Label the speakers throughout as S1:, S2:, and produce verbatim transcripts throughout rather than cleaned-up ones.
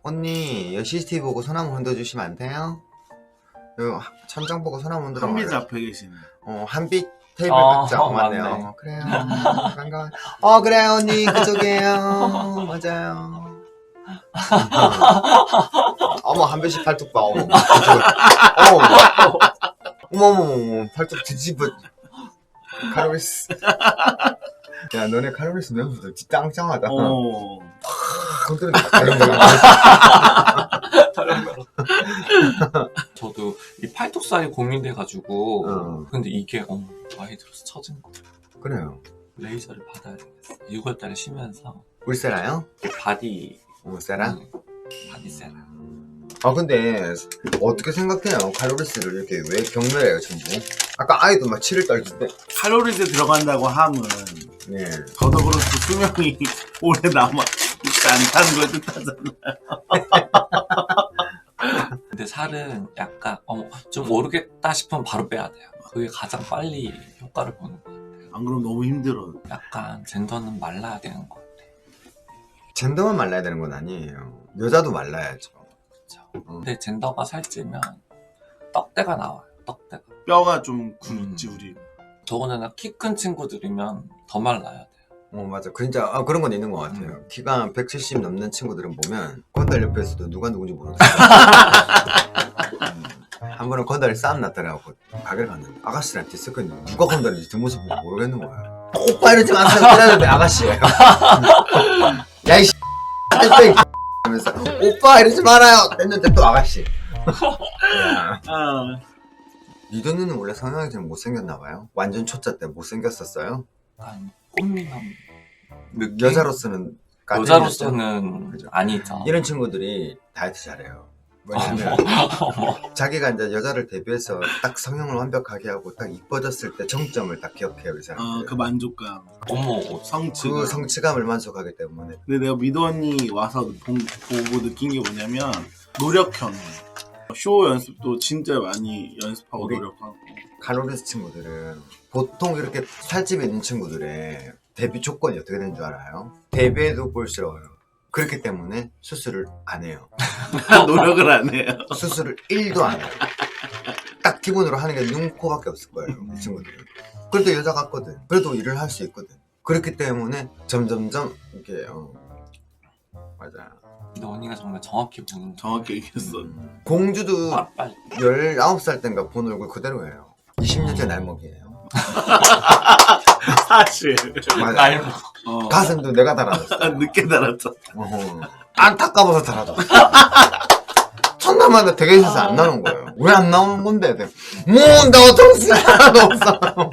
S1: 언니 여기 씨씨티비 보고 소나무 흔들어주시면 안 돼요? 여기 천장 보고 소나무 흔들어.
S2: 한빛 앞에 계시네.
S1: 어 한빛 테이블
S3: 어,
S1: 같죠?
S3: 어,
S1: 맞네요.
S3: 맞네.
S1: 어, 그래요. 반가워. 어 그래요 언니 그쪽이에요. 맞아요. 어머 한 배씩 팔뚝 봐. 어머. 어머. 어머머머 팔뚝 뒤집어. 칼로리스. 야 너네 칼로리스 면수도 짱짱하다.
S2: 어.
S1: 컨트롤 다른거야.
S3: 저도 이 팔뚝살이 고민돼가지고
S1: 어.
S3: 근데 이게 어, 많이 들어서 처진 거.
S1: 그래요.
S3: 레이저를 받아야 되겠어. 유월달에 쉬면서
S1: 울세라요?
S3: 바디
S1: 울세라?
S3: 음, 바디 세라.
S1: 아 근데 어떻게 생각해요? 칼로리스를 이렇게 왜 경멸해요 전부? 아까 아이도 막 치를 떨던데.
S2: 칼로리스 들어간다고 함은
S1: 네.
S2: 저도 그렇고 수명이 오래 남아 있지 않다는 걸 뜻하잖아요.
S3: 근데 살은 약간 어, 좀 오르겠다 싶으면 바로 빼야 돼요. 그게 가장 빨리 효과를 보는 것 같아요.
S2: 안 그러면 너무 힘들어.
S3: 약간 젠더는 말라야 되는 것 같아요.
S1: 젠더만 말라야 되는 건 아니에요. 여자도 말라야죠.
S3: 그렇죠.
S1: 어.
S3: 근데 젠더가 살찌면 떡대가 나와요. 떡대가.
S2: 뼈가 좀 굵지 우리.
S3: 더군다나 키 큰 친구들이면 더 말라야 돼요.
S1: 어 맞아. 진짜 아, 그런 건 있는 것 같아요.
S3: 음.
S1: 키가 백칠십 넘는 친구들은 보면 건달 옆에서도 누가 누군지 모르겠어요. 음. 한 번은 건달이 싸움 났더라고. 가게를 갔는데 아가씨랑 뒤섞었는데 누가 건달인지 뒷모습 보고 모르겠는 거야. 오빠 이러지 마세요. 그러는데 아가씨예요. 야이 씨 하면서 오빠 이러지 말아요. 했는데 또 아가씨. 야.
S2: 아,
S1: 니도 누는 원래 성형이 좀 못생겼나 봐요? 완전 초짜 때 못생겼었어요?
S3: 약간 꽃미남 느낌?
S1: 여자로서는
S3: 여자로서는
S1: 그죠.
S3: 아니죠.
S1: 이런 친구들이 다이어트 잘해요. 왜냐면 자기가 이제 여자를 대비해서 딱 성형을 완벽하게 하고 딱 이뻐졌을 때 정점을 딱 기억해요 이 사람들.
S2: 어, 그 만족감,
S3: 어머,
S2: 성취감.
S1: 그 성취감을 만족하기 때문에.
S2: 근데 내가 미도 언니 와서 보, 보고 느낀 게 뭐냐면 노력형. 쇼 연습도 진짜 많이 연습하고
S1: 우리-
S2: 노력하고.
S1: 칼로리스 친구들은 보통 이렇게 살집이 있는 친구들의 데뷔 조건이 어떻게 되는 줄 알아요? 데뷔해도 볼스러워요. 그렇기 때문에 수술을 안 해요.
S2: 노력을 안 해요.
S1: 수술을 일도 안 해요. 딱 기본으로 하는 게 눈, 코밖에 없을 거예요 이 친구들은. 그래도 여자 같거든. 그래도 일을 할 수 있거든. 그렇기 때문에 점점점 이렇게 어, 맞아.
S3: 근데 언니가 정말 정확히 보는
S2: 정확히 얘기했어.
S1: 음. 공주도
S3: 빨리.
S1: 열아홉 살 땐가 본 얼굴 그대로예요. 이십 년째 날먹이에요.
S2: 사실.
S1: 맞아.
S3: 나이 먹어.
S2: 어.
S1: 가슴도 내가 달아줬어.
S2: 늦게 달았죠.
S1: 어허. 안타까워서 달아줬어. 첫날마다 대기실에서 안 나오는 거예요. 왜 안 나오는 건데? 뭐나 어떤 하나도 없어.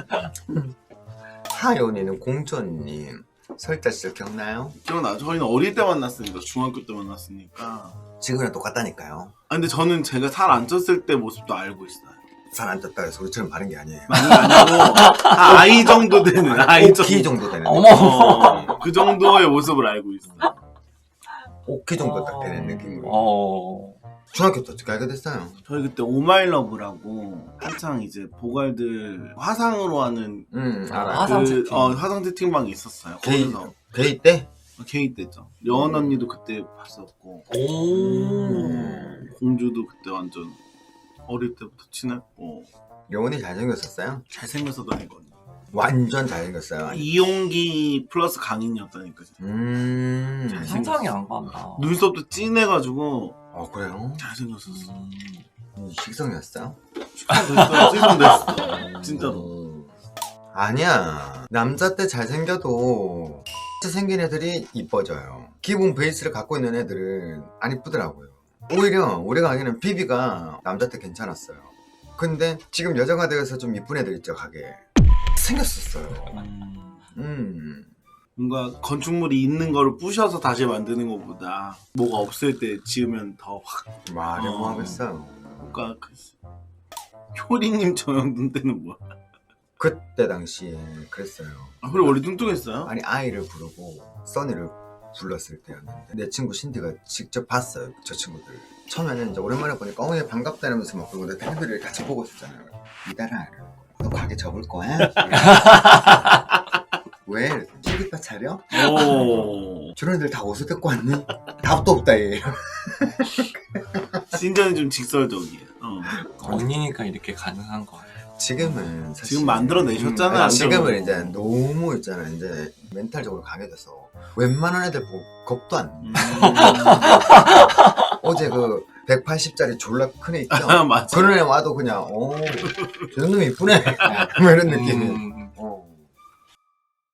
S1: 하연이는 공주 언니 설자 시절 기억나요?
S2: 기억나죠? 저희는 어릴 때 만났으니까 중학교 때 만났으니까.
S1: 지금이랑 똑같다니까요.
S2: 아, 근데 저는 제가 살 안 쪘을 때 모습도 알고 있어요.
S1: 살 안 쪘다 해서 우리처럼 마른 게 아니에요.
S2: 많이 아니고 다 아이 정도 되는 아이
S1: 오 키
S2: 정도.
S1: 정도 되는.
S3: 어머.
S2: 어, 그 정도의 모습을 알고 있어요.
S1: 오 키 정도 딱 되는 느낌으로.
S3: 어.
S1: 중학교 때 어떻게 알게 됐어요?
S2: 저희 그때 오마이러브라고 한창 이제 보갈들 화상으로 하는
S1: 음
S3: 아,
S1: 알아요.
S3: 화상
S2: 그,
S3: 채팅.
S2: 어, 화상 채팅방이 있었어요.
S1: 게이,
S2: 거기서
S1: 게이 때?
S2: 게이 때죠. 여원 언니도 그때 봤었고
S3: 오.
S2: 공주도 그때 완전 어릴 때부터 친했고
S1: 여운이 잘생겼었어요?
S2: 잘생겨서도 아니거든요.
S1: 완전 잘생겼어요.
S2: 이용기 플러스 강인이었다니까.
S1: 음.
S2: 잘-
S3: 상상이 안 간다.
S2: 눈썹도 진해가지고
S1: 어 그래요?
S2: 잘생겼었어.
S3: 음.
S1: 음, 식성이었어요?
S2: 됐어요. 찢어냈어. 진짜로.
S1: 음. 아니야. 남자 때 잘생겨도 생긴 애들이 이뻐져요. 기본 베이스를 갖고 있는 애들은 안 이쁘더라고요. 오히려 우리가 알기는 비비가 남자 때 괜찮았어요. 근데 지금 여자가 되어서 좀 이쁜 애들 있죠 가게. 생겼었어요.
S2: 음,
S1: 음.
S2: 뭔가 건축물이 있는 거를 부셔서 다시 만드는 것보다 뭐가 없을 때 지으면 더 확.
S1: 말을
S2: 어.
S1: 뭐 하겠어요.
S2: 뭔가 그 효리님 저형 눈 때는 뭐야?
S1: 그때 당시에 그랬어요.
S2: 아, 그래 원래 뚱뚱했어요?
S1: 아니 아이를 부르고 써니를 불렀을 때였는데 내 친구 신디가 직접 봤어요 저 친구들. 처음에는 이제 오랜만에 보니까 어얘 반갑다 이러면서 막 그러고 내가 텔레비를 같이 보고 있었잖아요. 이달아 너 가게 접을 거야? 왜? 티비바 차려?
S2: 오.
S1: 저런 애들 다 어디서 데리고 왔니? 답도 없다 얘.
S2: 신전이 좀 직설적이에요. 어.
S3: 언니니까 이렇게 가능한 거예요.
S1: 지금은 사실
S2: 지금 만들어내셨잖아요.
S1: 음, 아니, 지금은 이제 너무 있잖아 이제 멘탈적으로 강해져서 웬만한 애들 보고 겁도 안 나.
S2: 음.
S1: 어제 그 백팔십짜리 졸라 큰 애 있죠?
S2: 아, 맞아.
S1: 그런 애 와도 그냥 어저 놈이 이쁘네 뭐 이런 느낌이
S3: 음,